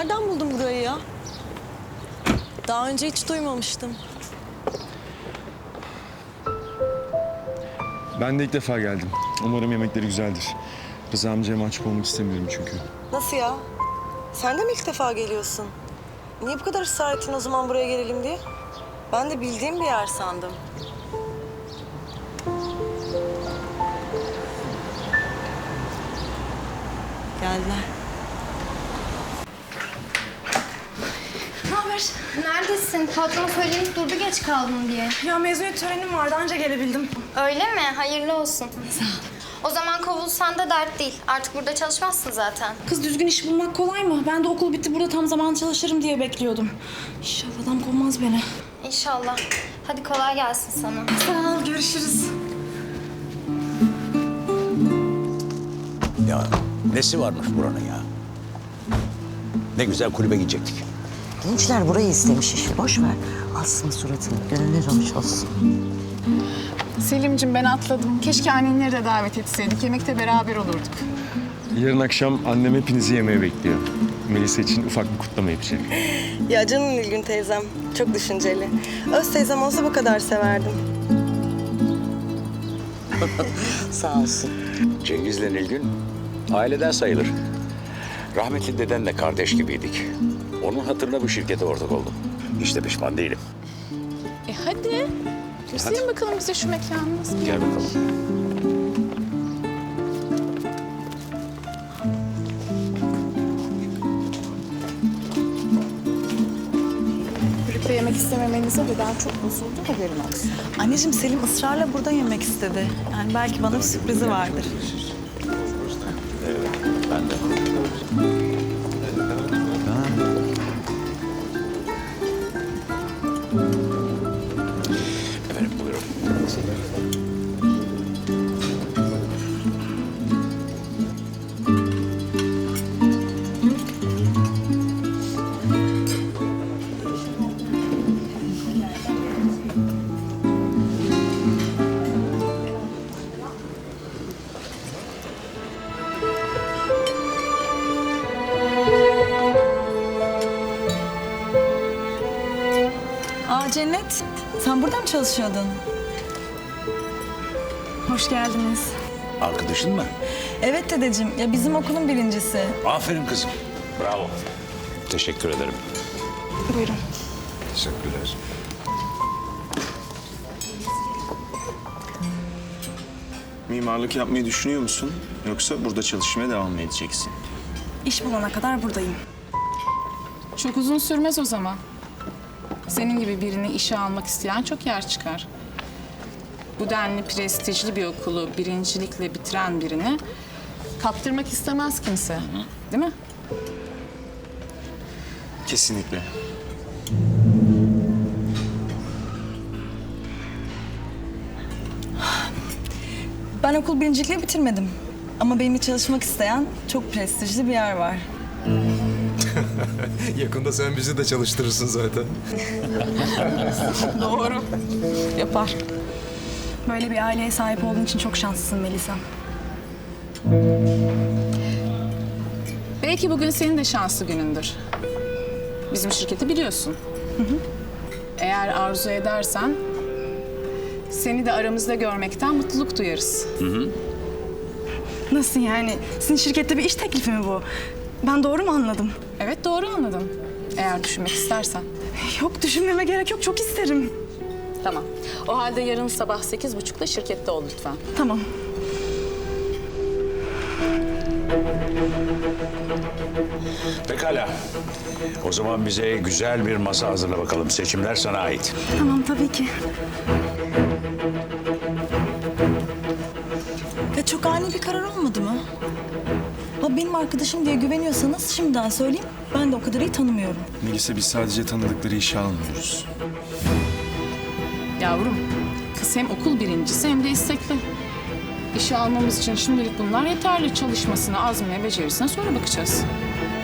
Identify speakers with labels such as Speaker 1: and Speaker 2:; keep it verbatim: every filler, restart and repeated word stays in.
Speaker 1: nereden buldun burayı ya? Daha önce hiç duymamıştım.
Speaker 2: Ben de ilk defa geldim. Umarım yemekleri güzeldir. Rıza amcaya mahcup olmak istemiyorum çünkü.
Speaker 1: Nasıl ya? Sen de mi ilk defa geliyorsun? Niye bu kadar ısrar ettin o zaman buraya gelelim diye? Ben de bildiğim bir yer sandım. Geldiler.
Speaker 3: Ne haber? Neredesin? Patron söylenip durdu geç kaldın diye.
Speaker 4: Ya mezuniyet törenim vardı anca gelebildim.
Speaker 3: Öyle mi? Hayırlı olsun. Sağ ol. O zaman kovulsan da dert değil. Artık burada çalışmazsın zaten.
Speaker 4: Kız düzgün iş bulmak kolay mı? Ben de okul bitti burada tam zaman çalışırım diye bekliyordum. İnşallah adam kovmaz beni.
Speaker 3: İnşallah. Hadi kolay gelsin sana.
Speaker 4: Sağ ol, görüşürüz.
Speaker 5: Ya nesi varmış buranın ya? Ne güzel kulübe gidecektik.
Speaker 6: Gençler burayı istemiş işi. Boş ver. Alsın suratını. Gönüller hoş olsun.
Speaker 7: Selim'cim ben atladım. Keşke annenleri de davet etseydik. Yemekte beraber olurduk.
Speaker 2: Yarın akşam annem hepinizi yemeğe bekliyor. Melisa için ufak bir kutlama yapacak.
Speaker 1: Ya canım Nilgün teyzem. Çok düşünceli. Öz teyzem olsa bu kadar severdim.
Speaker 6: Sağ olsun.
Speaker 5: Cengiz'le Nilgün aileden sayılır. Rahmetli dedenle kardeş gibiydik. Onun hatırına bu şirkete ortak oldum. Hiç de pişman değilim.
Speaker 7: E hadi. Gösterin bakalım bize şu mekanı nasıl bir
Speaker 5: Gel bakalım.
Speaker 7: Birlikte yemek istememenize de ben çok bozuldu. Haberin olsun.
Speaker 4: Anneciğim Selim ısrarla burada yemek istedi. Yani belki bana bir sürprizi vardır.
Speaker 5: Ben de. Efendim buyurun.
Speaker 4: Aa Cennet, sen burada mı çalışıyordun? Hoş geldiniz.
Speaker 5: Arkadaşın mı?
Speaker 4: Evet dedeciğim, ya bizim okulun birincisi.
Speaker 5: Aferin kızım. Bravo. Teşekkür ederim.
Speaker 4: Buyurun.
Speaker 5: Teşekkürler.
Speaker 2: Mimarlık yapmayı düşünüyor musun? Yoksa burada çalışmaya devam mı edeceksin?
Speaker 4: İş bulana kadar buradayım.
Speaker 7: Çok uzun sürmez o zaman. Senin gibi birini işe almak isteyen çok yer çıkar. Bu denli prestijli bir okulu birincilikle bitiren birini kaptırmak istemez kimse. Değil mi?
Speaker 2: Kesinlikle.
Speaker 4: Ben okul birincilikle bitirmedim. Ama benimle çalışmak isteyen çok prestijli bir yer var.
Speaker 8: Yakında sen bizi de çalıştırırsın zaten.
Speaker 4: Doğru. Yapar. Böyle bir aileye sahip olduğun için çok şanslısın Melisa.
Speaker 7: Belki bugün senin de şanslı günündür. Bizim şirketi biliyorsun. Hı hı. Eğer arzu edersen seni de aramızda görmekten mutluluk duyarız. Hı hı.
Speaker 4: Nasıl yani? Sizin şirkette bir iş teklifi mi bu? Ben doğru mu anladım?
Speaker 7: Evet doğru anladın. Eğer düşünmek istersen.
Speaker 4: Yok düşünmeme gerek yok. Çok isterim.
Speaker 7: Tamam. O halde yarın sabah sekiz buçukta şirkette ol lütfen.
Speaker 4: Tamam.
Speaker 5: Pekala. O zaman bize güzel bir masa hazırla bakalım. Seçimler sana ait.
Speaker 4: Tamam tabii ki. Ya çok ani bir karar olmadı mı? Ha, benim arkadaşım diye güveniyorsanız şimdiden söyleyeyim. Ben de o kadar iyi tanımıyorum.
Speaker 2: Melisa biz sadece tanıdıkları işe almıyoruz.
Speaker 7: Yavrum, kız hem okul birincisi hem de istekli. İşe almamız için şimdilik bunlar yeterli. Çalışmasına, azmine, becerisine sonra bakacağız.